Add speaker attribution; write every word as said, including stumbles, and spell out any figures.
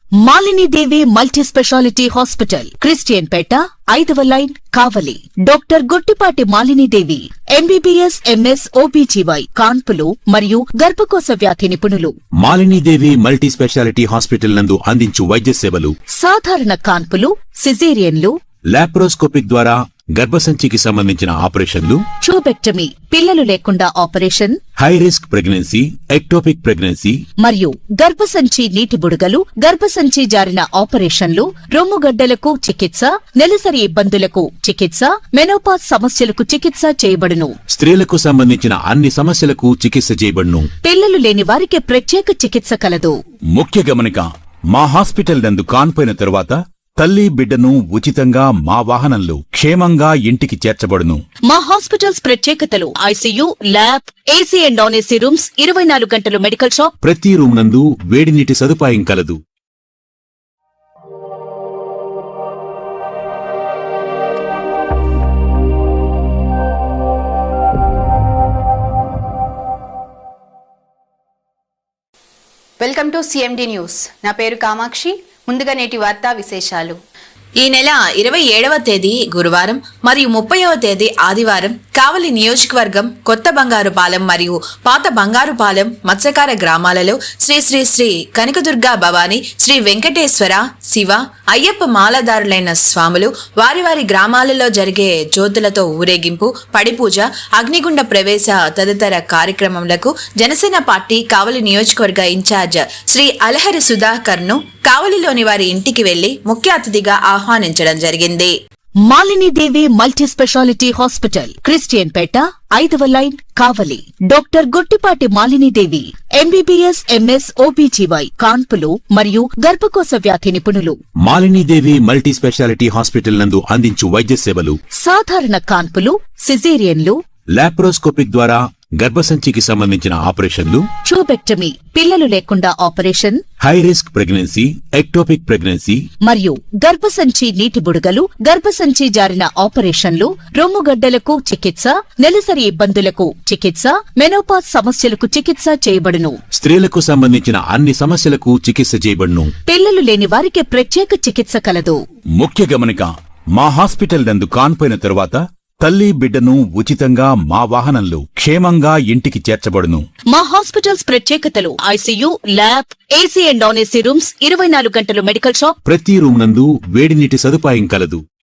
Speaker 1: Malini Devi multi speciality hospital, Christian Peta, ఐదవ line, Kavali. Doctor Gottipati Malinidevi, MBBS, MS, OBGY, కాన్పులు మరియు గర్భకోశ వ్యాధి నిపుణులు.
Speaker 2: మాలినీదేవి మల్టీ స్పెషాలిటీ హాస్పిటల్ నందు అందించు వైద్య సేవలు:
Speaker 1: సాధారణ కాన్పులు, సిజేరియన్లు,
Speaker 2: లాప్రోస్కోపిక్ ద్వారా గర్భసంచికి సంబంధించిన ఆపరేషన్లు,
Speaker 1: ట్యూబెక్టమీ, పిల్లలు లేకుండా operation,
Speaker 2: high risk pregnancy, ectopic pregnancy
Speaker 1: మరియు గర్భసంచి నీటి బుడగలు, గర్భసంచి జారిన ఆపరేషన్లు, రొమ్ముగడ్డలకు చికిత్స, నెలసరి ఇబ్బందులకు చికిత్స, మెనోపాజ్ సమస్యలకు చికిత్స చేయబడును.
Speaker 2: స్త్రీలకు సంబంధించిన అన్ని సమస్యలకు చికిత్స చేయబడును.
Speaker 1: పిల్లలు లేని వారికి ప్రత్యేక చికిత్స కలదు.
Speaker 2: ముఖ్య గమనిక: మా హాస్పిటల్ నందు కాన్పోయిన తరువాత తల్లి బిడ్డను ఉచితంగా మా వాహనంలో క్షేమంగా ఇంటికి చేర్చబడును.
Speaker 1: మా హాస్పిటల్స్ ప్రత్యేకతలు: ICU, lab, AC and non AC rooms, ఇరవై నాలుగు గంటలు మెడికల్ షాప్,
Speaker 2: ప్రతి రూమ్ నందు వేడి నీటి సదుపాయం కలదు.
Speaker 3: Welcome to CMD news. నా పేరు కామాక్షి. ముందుగా నేటి వార్తా విశేషాలు.
Speaker 4: ఈ నెల ఇరవై ఏడవ తేదీ గురువారం మరియు ముప్పైవ తేదీ ఆదివారం కావలి నియోజకవర్గం కొత్త బంగారుపాలెం మరియు పాత బంగారుపాలెం మత్స్యకార గ్రామాలలో శ్రీ శ్రీ శ్రీ కనకదుర్గా భవాని, శ్రీ వెంకటేశ్వర, శివ, అయ్యప్ప మాలదారులైన స్వాములు వారి వారి గ్రామాలలో జరిగే జ్యోతులతో ఊరేగింపు, పడిపూజ, అగ్నిగుండ ప్రవేశ తదితర కార్యక్రమములకు జనసేన పార్టీ కావలి నియోజకవర్గ ఇన్ఛార్జ్ శ్రీ అలహరి సుధాకర్ ను కావలిలోని వారి ఇంటికి వెళ్లి ముఖ్య అతిథిగా ఆహ్వానించడం జరిగింది.
Speaker 1: Malinidevi multi speciality hospital, Christian Peta, ఐదవ line, Kavali. Doctor Gottipati Malinidevi, MBBS, MS, OBGY, కాన్పులు మరియు గర్భకోశ వ్యాధి నిపుణులు.
Speaker 2: మాలినీదేవి మల్టీ స్పెషాలిటీ హాస్పిటల్ నందు అందించు వైద్య సేవలు:
Speaker 1: సాధారణ కాన్పులు, సిజేరియన్లు,
Speaker 2: లాప్రోస్కోపిక్ ద్వారా గర్భసంచికి సంబంధించిన ఆపరేషన్లు,
Speaker 1: ట్యూబెక్టమీ, పిల్లలు లేకుండా operation,
Speaker 2: high risk pregnancy, ectopic pregnancy
Speaker 1: మరియు గర్భసంచి నీటి బుడగలు, గర్భసంచి జారిన ఆపరేషన్లు, రొమ్ముగడ్డలకు చికిత్స, నెలసరి ఇబ్బందులకు చికిత్స, మెనోపాజ్ సమస్యలకు చికిత్స చేయబడును.
Speaker 2: స్త్రీలకు సంబంధించిన అన్ని సమస్యలకు చికిత్స చేయబడును.
Speaker 1: పిల్లలు లేని వారికి ప్రత్యేక చికిత్స కలదు.
Speaker 2: ముఖ్య గమనిక: మా హాస్పిటల్ నందు కాన్పోయిన తరువాత తల్లి బిడ్డను ఉచితంగా మా వాహనంలో క్షేమంగా ఇంటికి చేర్చబడును.
Speaker 1: మా హాస్పిటల్స్ ప్రత్యేకతలు: ICU, lab, AC and non AC rooms, ఇరవై నాలుగు గంటలు మెడికల్ షాప్,
Speaker 2: ప్రతి రూమ్ నందు వేడి నీటి సదుపాయం కలదు.